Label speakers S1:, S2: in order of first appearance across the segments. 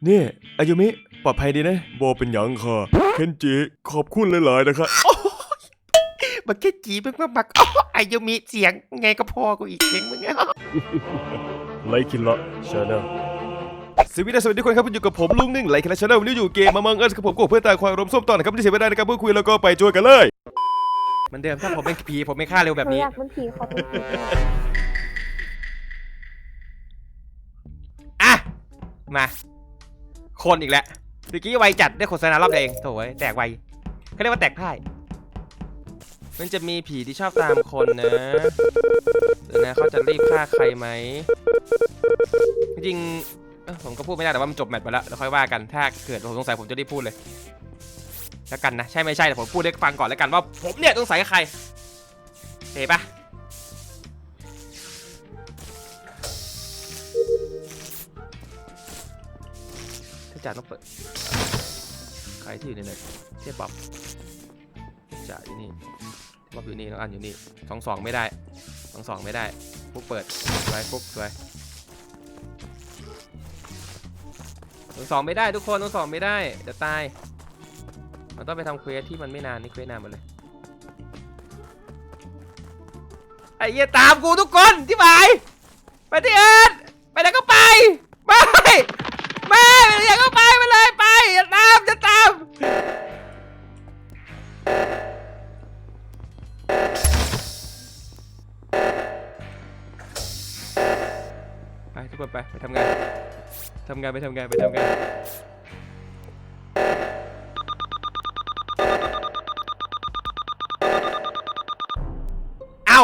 S1: นี่อายุมิปลอดภัยดีนะโบเป็นหยังค่ะเคนจิขอบคุณหลายๆนะครับ
S2: มันแค่จีมึงมาบักอายุมีเสียงไงก็พอกูอีกเสียงมึง
S1: ไลคินละชาแนลสวัสดีทุกคนครับอยู่กับผมลุงหนึ่งไลคินละชาแนลวันนี้อยู่เกมมามังเอิร์สกับผมกับเพื่อนตายควายรวมส้มตอนนะครับที่เสียไม่ได้นะครับเพื่อคุยแล้วก็ไปช่วยกันเลย
S2: เหมือนเดิมถ้าผมเป็นผีผมไม่ฆ่าเร็วแบบนี้
S3: อยากเป็นผีขอเป็นผี
S2: อ่ะมาคนอีกแล้วเมื่อกี้ไวจัดได้โฆษณารอบเองโถ่แตกไวเขาเรียกว่าแตกพ่ายมันจะมีผีที่ชอบตามคนนะเดี๋ยวนะเขาจะรีบฆ่าใครไหมจริงๆผมก็พูดไม่ได้แต่ว่ามันจบแมตช์ไปแล้วค่อยว่ากันถ้าเกิดผมสงสัยผมจะรีบพูดเลยแล้วกันนะใช่ไม่ใช่แต่ผมพูดให้ฟังก่อนแล้วกันว่าผมเนี่ยสงสัยใครเห็นปะถ้าจ่าต้องเปิดใครที่อยู่ในนั้นเทียบป๊อปจ่าอยู่นี่ป๊อปอยู่นี่น้องอันอยู่นี่2-2ไม่ได้2-2ไม่ได้ปุ๊บเปิดไว้ปุ๊บไว้2ไม่ได้ทุกคน2ไม่ได้จะตายมันต้องไปทำเควสที่มันไม่นานนี่เควสนานหมดเลยไอ้เหี้ยตามกูทุกคนที่หมายไปที่อื่นไปไหนก็ไปไม่อย่าก็ไปเลยไปอย่าตามไปทุกคนไปทำงานไปทำงานเอา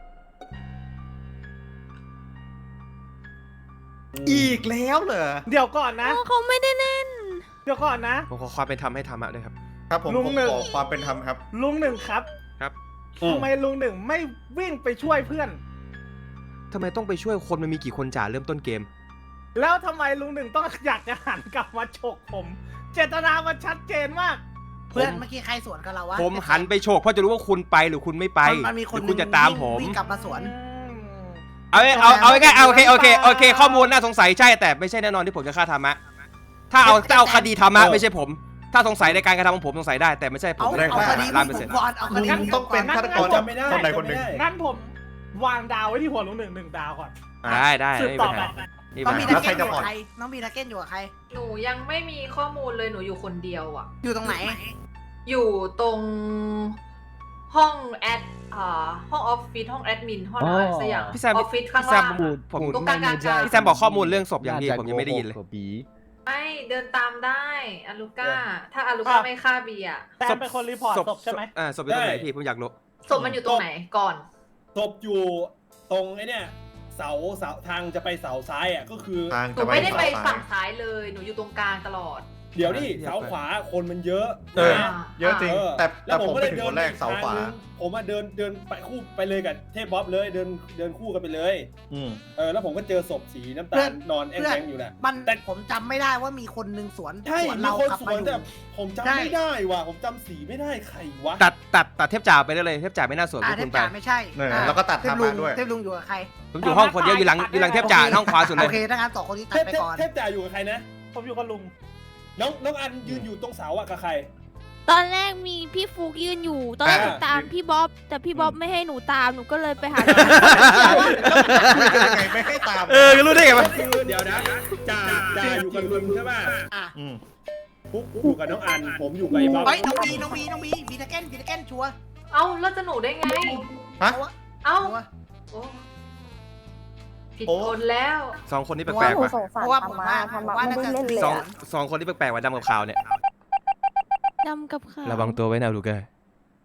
S4: อีกแล้วเหรอ
S5: เดี๋ยวก่อนนะ
S3: เขาไม่ได้เล่น
S5: เดี๋ยวก่อนนะ
S2: ผมขอความเป็นธรรมให้ธรรมะด้วยครับ
S4: ครับผม
S5: ลุงหนึ่ง
S4: ขอความเป็นธรรมครับ
S5: ลุงหนึ่งครับ
S2: ครับ
S5: ทำไมลุงหนึ่งไม่วิ่งไปช่วยเพื่อน
S2: ทำไมต้องไปช่วยคนมันมีกี่คนจ่าเริ่มต้นเกม
S5: แล้วทำไมลุงหนึ่งต้องอยากจะหันกลับมาฉกผม เจตนามันชัดเจนมาก
S6: เพื่อนเมื่อกี้ใครสวนกับเราวะ
S2: ผมหันไปโฉกเพราะจะรู้ว่าคุณไปหรือคุณไม่ไป
S6: มันมีคน
S2: หรือคุณจะตามผม
S6: วิ่งกลับมาสวน
S2: เอาง่ายๆโอเคข้อมูลน่าสงสัยใช่แต่ไม่ใช่แน่นอนที่ผมจะฆ่าธรรมะถ้าเอาคดีธรรมะไม่ใช่ผมถ้าสงสัยในการกระทำของผมสงสัยได้แต่ไม่ใช่ผม
S6: เอาคดี
S2: 100%
S6: ก่อนเอาคดี
S4: ลุงต้องเป็นฆาตกรคนใดคนหนึ่ง
S5: งั้นผมวางดาวไว้ที่หัวลุงหนึ่ง1 ดาวก่อน
S2: ได้
S5: สืบ
S2: ไม่
S5: ต่
S2: เป็
S5: อน
S2: ไร
S5: ไป
S2: นี่
S6: น้อง
S2: มา
S6: มี
S4: แล้
S6: นัก
S4: วใคร
S6: เก็ตอ
S4: จะ
S6: ยู่
S4: ผ่อน
S6: กับใครน้องมีนักเก็ตอยู่กับใคร
S7: หนูยังไม่มีข้อมูลเลยหนูอยู่คนเดียวอ่ะ
S6: อยู่ตรงไหน
S7: อยู่ตรงห้องแอดห้องออฟฟิศห้องแอดมินห้องอะไรสักอย่าง
S2: พี่แซม
S7: ออฟฟิศข้าง
S2: พี่แซ
S7: ล่าม ง
S2: ผม
S7: ตรงกลาง
S2: พี่แซมบอกข้อมูลเรื่องศพอย่างนี้ผมยังไม่ได้ยินเลย
S7: ไม่เดินตามได้อาลูก้าถ้าอาลูก้าไม่ฆ่าเบียร์
S5: แต่เป็นคนรีพอร์ตศพใช่ไหม
S2: ศพอยู่ตรงไหนพี่ผมอยากรู้
S7: ศพมันอยู่ตรงไหนก่อน
S8: ศพอยู่ตรงไอ้เนี่ยเสาทางจะไปเสาซ้ายอ่ะก็คือ
S4: ทาง
S7: หนู
S4: จะ
S7: ไม่ได้ไป
S4: เสา
S7: ฝั่ง
S4: ซ้าย
S7: ซ้ายเลยหนูอยู่ตรงกลางตลอด
S8: เดี๋ยวนี่เสาขวาคนมันเยอะ
S4: เออ เยอะจริง แต่
S8: แล้วผม
S4: ผม
S8: ก็
S4: ไป
S8: เลย
S4: ถึง
S8: เดิ
S4: คน นแรกเสาขวา
S8: ผมมาเดินไปคู่ไปเลยกับเทพบ๊อบเลยเดินคู่กันไปเลย
S4: อืม
S8: แล้วผมก็เจอศพสีน้ำ
S6: เพื่
S8: ตา
S6: อ
S8: ล
S6: น
S8: นอนแอ่งๆอยู่แหละ
S6: มัน
S8: แต่
S6: ผมจำไม่ได้ว่ามีคนหนึ่งสวน
S8: ใช่
S6: สวน
S8: มี
S6: เรา
S8: คน
S6: ขับ
S8: ส
S6: มา
S8: วน
S6: อยู่
S8: แต่ผมจำ
S6: ใช่
S8: ไม่ได้ว่ะผมจำสีไม่ได้ใครวะ
S2: ตัดเทพจ่าไปได้เลยเทพจ่าไม่น่าสวน
S6: อ่า
S2: กับ
S6: เท
S2: คุ
S6: พ
S2: ณไป
S6: จ่าไม่ใช่
S4: เนี่ยแล้วก็ตัด
S6: เทพ
S4: ทำ
S6: ลุ
S4: มาง ด้วย
S6: เทพลุงอยู่กับใคร
S2: ผมอยู่ห้องคนเดียวอยู่หลังเทพจ่าห้องขวาสุดเล
S6: โอย เคถ้างั้นสองคนนี้ตัดไปก่อน
S8: เทพจ่าอยู่กับใครนะ
S5: ผมอยู่กับลุง
S8: น้องอันยืนอยู่ตรงเสาอ่ะกับใคร
S3: ตอนแรกมีพี่ฟุกยืนอยู่ ตอนแรกหนูตามพี่บ๊อบแต่พี่บ๊อบไม่ให้หนูตามหนูก็เลยไปหา
S4: ยังไงไม่ให้ตาม
S2: ก็รู้ได้ไงวะ
S8: คือเดี๋ยวนะจ่าอยู่กับลุงใช่ป่ะ
S6: อ่ะ
S4: อืม
S8: ปุ๊กอยู่กับน้องอันผมอยู่กับไอ้บ๊อบ
S6: เฮ้ยน้องบีบีนักเก็ตชัวร์
S7: เอ้าแล้วจะหนูได้ไง
S4: ฮะ
S7: เอ้า
S6: ชัวร์
S7: โอ้ผิดคนแล้ว
S2: สองคนนี้แป
S3: ว่า
S2: ลก
S3: หนู
S2: ๆว่ะ
S3: สงสาร
S6: เพราะว่าผม
S3: ธรรมะ
S6: ว่า
S3: ไม่ได้เล่นเลย
S2: สองคนนี้แปลกๆว่ะดำกับขาวเนี่ย
S3: ดำกับขาว
S2: ระวังตัวไว้นะลูกเอ้ย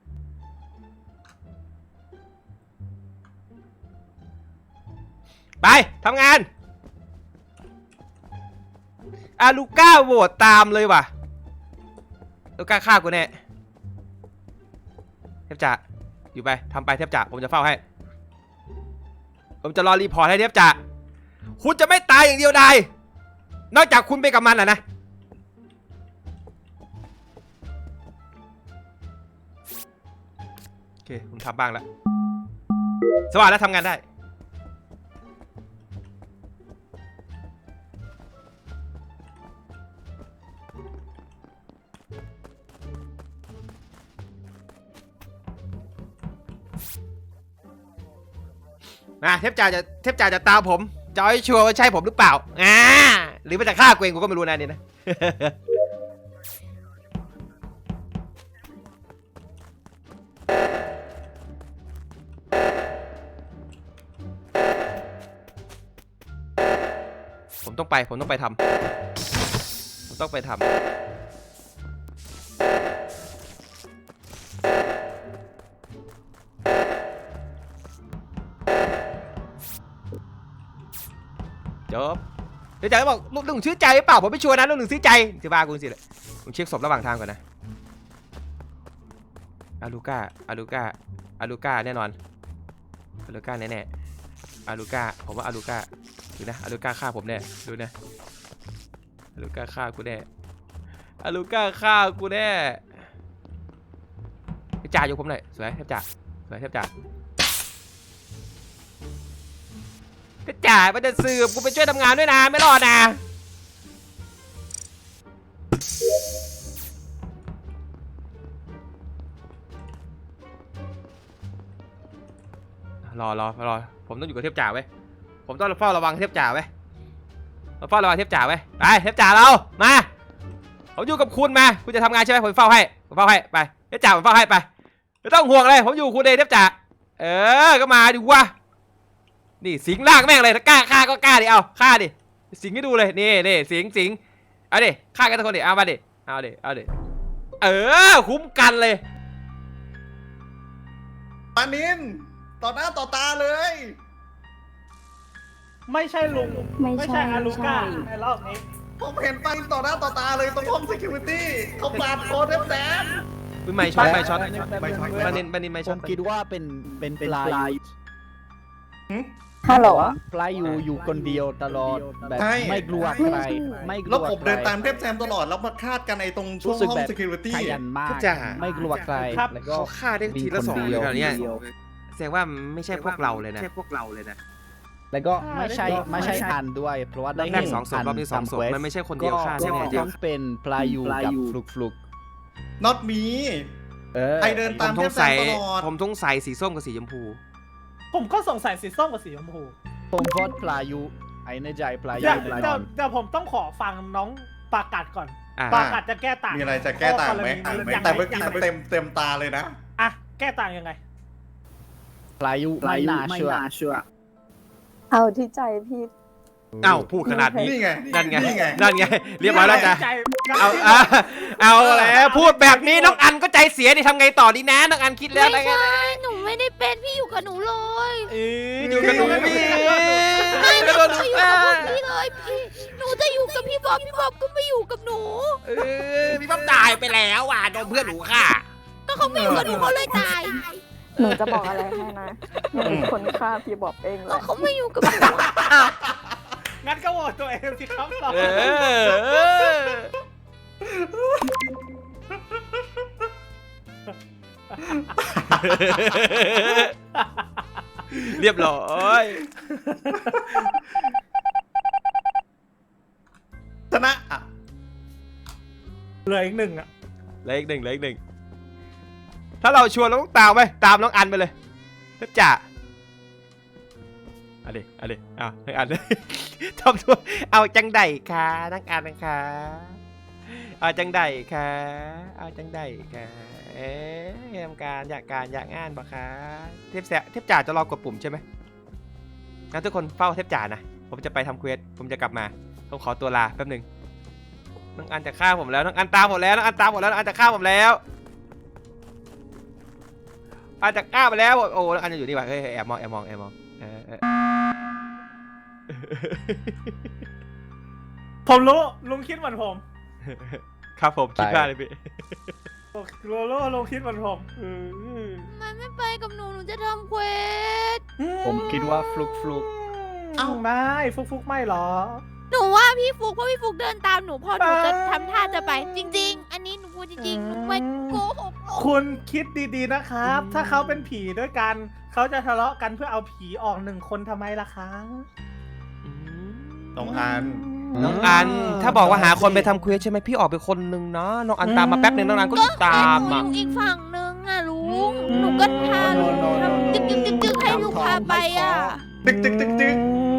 S2: ไปทำงานลูก้าโหวตตามเลยว่ะลูก้าฆ่ากูแน่เทพจ่าอยู่ไปทำไปเทพจ่าผมจะเฝ้าให้ผมจะรอรีพอร์ตให้เทพจ่าคุณจะไม่ตายอย่างเดียวได้นอกจากคุณไปกับมันนะโอเคผมทำบ้างแล้วสว่างแล้วทำงานได้นะเทพจ่าจะตามผมจะเอาให้ชัวร์ว่าใช่ผมหรือเปล่าหรือมันจะฆ่ากูเองกูก็ไม่รู้นะนี่นะ ผมต้องไปทำผมต้องไปทำจบเดี๋ยวใจบอกลูกหนึ่งชื่อใจหรือเปล่าผมไม่ชัวร์นะลูกหนึ่งชื่อใจจะบ้ากูสิเลยผมเช็คศพระหว่างทางก่อนนะอาลูก้าแน่นอนอาลูก้าแน่ๆอาลูก้าผมว่าอาลูก้าดูนะอาลูก้าฆ่าผมแน่ดูนะอาลูก้าฆ่ากูแน่อาลูก้าฆ่ากูแน่เทพจ่าอยู่ผมหน่อยสวยเทพจ่าเทพจ่ามันจะสืบกูไปช่วยทำงานด้วยนะไม่รอดนะรอผมต้องอยู่กับเทพจ่าไว้ผมต้องเฝ้าระวังเทพจ่าไว้เฝ้าระวังเทพจ่าไว้ไปเทพจ่าเรามาผมอยู่กับคุณมาคุณจะทำงานใช่ไหมผมเฝ้าให้ไปเทพจ่าผมเฝ้าให้ไปไม่ต้องห่วงเลยผมอยู่คุณเองเทพจ่าก็มาดิวะนี่สิงลากแม่งเลยถ้ากล้าฆ่าก็กล้าดิเอาฆ่าดิสิงให้ดูเลยนี่สิงเอาดิฆ่ากันทุกคนดิเอามาดิเอาดิคุ้มกันเลย
S4: ปานินต่อหน้าต่อตาเลย
S5: ไม่ใช่ลุง ไม่ใช่อาลูก้าในรอบนี้
S4: ผมเห็นปานินต่อหน้าต่อตาเลยตรงห้อง security เขาปาดคอแดง
S2: ไม่ช็อต
S4: ไม่ช็อต
S2: บันนินไม่
S9: ผ
S2: ช็อต
S9: มคิดว่าเป็นปลาย
S3: ฮัลโหล
S9: ปลายอยู่คนเดียวตลอดแบบไม่กลัวใครไม่กลัว
S4: แล้วผมเดินตามเทพแซมตลอดแล้วมาคาดกันไอ้ตรงช่วงห้อง security
S9: ขยันมากไม่กลัวใครแล้วก็
S2: เขาฆ่าได้ทีละ2เลยเนี่ยแสดงว่าไม่ใช่พวกเราเลยนะ
S9: แล้วก็ไม่ใช่อันด้วยเพราะว่าได้
S2: รอบแรก2 ศพรอบนี้2 ศพมันไม่ใช่คนเดียวฆ่า
S9: ก็
S2: แน่
S9: ต้องเป็นปลายกับฟลุก
S4: not me ไอเดิน
S2: ผ
S4: ตาม
S2: ม
S4: เท
S2: ต้อ
S4: พ
S2: ง
S4: แซ
S2: ใส่
S4: มตลอด
S2: ผมต้องใส่สีส้มกับสีชมพู
S5: ผมก็สงสัยสีส้มกับสีชมพู
S9: ผมโหวตปลายไอ้ในใจปลาย
S5: เดี๋ยวผมต้องขอฟังน้องปากัดก่อนปากัดจะแก้ต่าง
S4: มีอะไรจะแก้ต่างไหมแต่เมื่อกี้มันเต็มตาเลยนะ
S5: อ่ะแก้ต่างยังไง
S9: ปลายไม่น่าเชื่อ
S3: เอาที่ใจพี่
S2: เอ้าพูดขนาดนี้
S4: นี่ไง
S2: นั่นไง
S4: นี่ไง
S2: เรียบร้อยแล้วจ้ะ
S5: ใจ
S2: เอาแล้วพูดแบบนี้น้องอันก็ใจเสียดิทำไงต่อดีนะน้องอันคิดแล้ว
S3: ไม่ใช่ หนูไม่ได้เป็นพี่อยู่กับหนูเลย
S2: อยู่กับหนูพี่
S3: ไม่หนูจะอยู่กับพวกพี่เลยพี่หนูจะอยู่กับพี่บ๊อบก็ไม่อยู่กับหนู
S2: พี่บ๊อบตายไปแล้วอ่ะโดนเพื่อนหนูค่ะ
S3: ก็เขาไม่อยู่กับหนูเขาเลยตาย
S10: หนูจะบอกอะไรให้นะหนูเป็นคนฆ่าพี่บอกเองเล
S3: ก็
S10: ย
S3: เขาไม่อยู่กับหนู
S5: งั้นก็โหวตตัวเองสิครับเรา
S2: เรียบร้อย
S4: ชนะอ่ะ
S5: เหลืออีกหนึ่งอ่ะ
S2: เหลืออีกหนึ่งถ้าเราชวนเราต้องตามไปตามน้องอันไปเลยจ้ะเอาดิเอาน้องอันทำตัวเอาจังไดค่ะน้องอันนะคะเอาจังไดค่ะทำการอยากงานปะคะเทพจ่าจะรอกดปุ่มใช่ไหมงั้นทุกคนเฝ้าเทพจ่านะผมจะไปทำเควสผมจะกลับมาต้องขอตัวลาแป๊บหนึ่งน้องอันจะฆ่าผมแล้วน้องอันตามผมแล้วน้องอันจะฆ่าผมแล้วอันจะฆ่าไปแล้วโอ้น้องอันจะอยู่นี่ว่ะเฮ้ยแอบมอง
S5: ผมรู้ลุงคิดเหมือนผม
S2: ครับผมคิดว่าเลยพี่
S5: ลุงคิดเหมือนผม
S3: มันไม่ไปกับหนูจะทำเควส
S9: ผมคิดว่าฟลุก
S5: เอ้าไม่ฟุกไม่หรอ
S3: หนูว่าพี่ฟุกเพราะพี่ฟุกเดินตามหนูพอหนูจะทำท่าจะไป จริง ๆ อันนี้หนูพูดจริงๆหนูไม่โกหก
S5: คุณคิดดีๆนะครับ ถ้าเขาเป็นผีด้วยกันเขาจะทะเลาะกันเพื่อเอาผีออก1 คนทำไมล่ะคะ
S4: น้องอัน
S2: น้องอันถ้าบอกว่าหาคนไปทำเควสใช่ไหมพี่ออกไปคนนึงเนาะน้องอันตามมาแป๊บนึงน้องอันก็ตาม
S3: หนู
S2: อ่ะ
S3: อยู่อีกฝั่งนึงอ่ะลุงหนูก็พาลุงทำจึ๊กให้ลุงพาไปอ่ะ
S4: ตึกตึกตึกตึก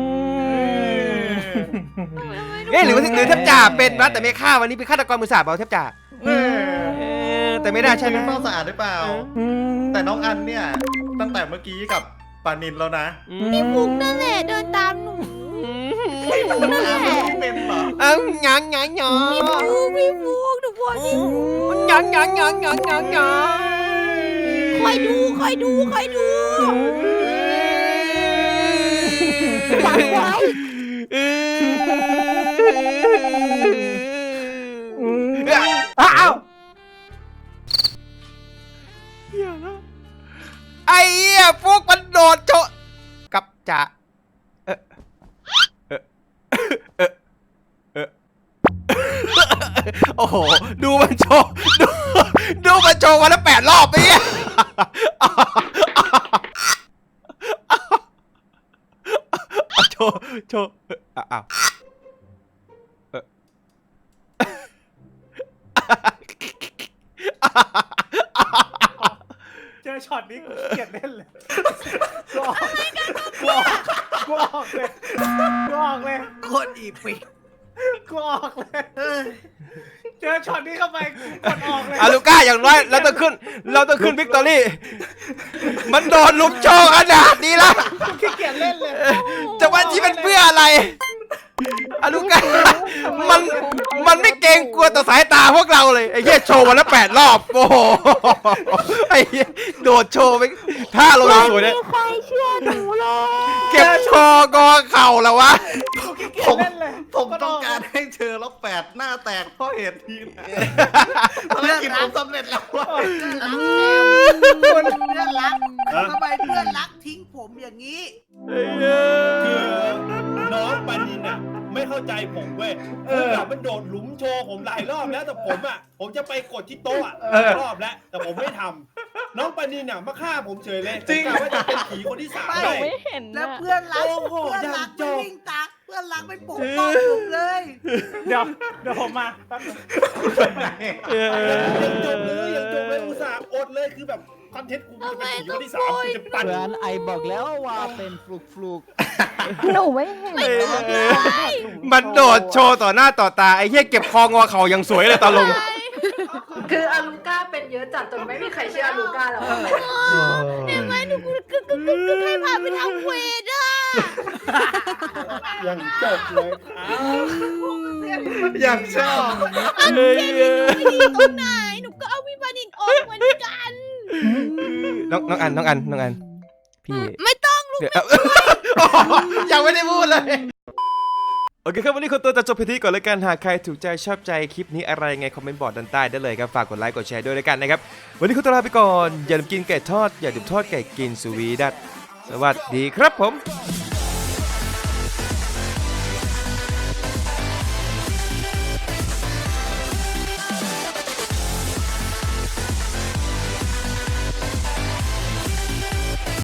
S2: เอ๊ะหรือเทพจ่าเป็นนะแต่ไม่ฆ่าวันนี้เป็นฆาตกรมือสาบเอาเทพจ่าแต่ไม่ได้ใช่ไหม
S4: เป้าสะอาดหรือเปล่า แต่น้องอันเนี่ยตั้งแต่เมื่อกี้กับปานินแล้วนะ
S3: พี่ฟุกนั่นแหละเดินตามหนูพี่ฟุกนั่นแหละ
S4: ไม่เป็นเหรอ
S2: หยัง
S3: พี่ฟุกหนูบอกพี่ฟุก
S2: หยัง
S3: คอยดูจับไว้
S5: อ้าว
S2: ไอ้เหี้ยพวกมันโดดโจกับจ่าโอ้โหดูมันโชว์ดูมันโชว์วันละ8 รอบไปเนี่ยโชว์อ้าว
S5: เจอช็อตนี้กูเกลียดเล่นเลยกูออกเลย
S6: คนอีปี
S5: กูออกเลยเจอช็อตนี้เข้าไปกูกดออกเลย
S2: อาลูก้าอย่างน้อยเราต้องขึ้นวิกตอรี่มันโดนลุมโชว์ขนาดนี้แล้ว
S5: กูขี้เกียจเล่นเลย
S2: จะว่าที่เป็นเพื่ออะไรอาลูก้ามันไม่เกรงกลัวต่อสายตาพวกเราเลยไอ้เหี้ยโชว์วันละ8 รอบโอ้โหไอ้เหี้ยโดดโชว์ไปท่าลงสวยเนี่ย
S3: ไม่ใครเชื่อหนูเลย
S2: เก็บโชว์กอเข่าแล้ววะ
S4: ผมต้องการให้เธอแล้ว8 หน้าแตกเพราะเหตุนี้นะภารกิจผมสำเร็จแล้วว่ะ
S6: เพื่อนรักทำไมเพื่อนรักทิ้งผมอย่างนี้
S8: คือน้องปานินอ่ะไม่เข้าใจผมเว้ยคือแบบมันโดดหลุมโชว์ผมหลายรอบแล้วแต่ผมจะไปกดที่โต๊ะรอบแล้วแต่ผมไม่ทำน้องปานินอ่ะมาฆ่าผมเฉยเลยจริงว่าจะเป็นผีคนที่3
S6: ไม่
S8: ได้
S10: ไม่เห็น
S6: แล้ว
S10: นะ
S6: เพื่อนรัก
S8: โอ้โห
S6: เพื่อนรัก
S8: อย่างจบ
S6: ไม่วิ่งตามเพื่อนรักไม่ปกป้องผมเลย
S5: เดี๋ยวผมมาแป๊บนึง
S8: ยังจบเลยอุตส่าห์อดเลยคือแบบคอนเทนต์กูจะเป็นผีคนที่3กูจะปั่น
S9: เพื่อนไอบอกแล้วว่าเป็นฟลุก
S10: หนูไม่เห็น
S2: มันโดดโชว์ต่อหน้าต่อตาไอ้เหี้ยเก็บคองอเข่าอย่างสวยเลยตอนลง
S7: คืออาลูก้าเป็นเยอะจัดจนไม่มีใครเชื่ออาลูก้าแล้วอะ
S3: เห็นไหมหนูให้พาไปทำเวทอ่ะ
S8: ยังจบเลยครับ
S4: อย่างชอบ
S3: ไม่ดีตรงไหนหนูก็เอาพี่ปานินออกเหมือนกัน
S2: น้องอันพี่
S3: ไม่ต้องลูก
S2: เดี๋ยวยังไม่ได้พูดเลยโอเคครับวันนี้คนตัวจะจบเพียงเท่านี้ก่อนแล้วกันหากใครถูกใจชอบใจคลิปนี้อะไรไงคอมเมนต์บอกด้านใต้ได้เลยครับฝากกดไลค์กดแชร์ด้วยแล้วกันนะครับวันนี้คุณตัวลาไปก่อนอย่าลืมกินไก่ทอดอย่าลืมทอดไก่กินสวีดัตสวัสดีครับผม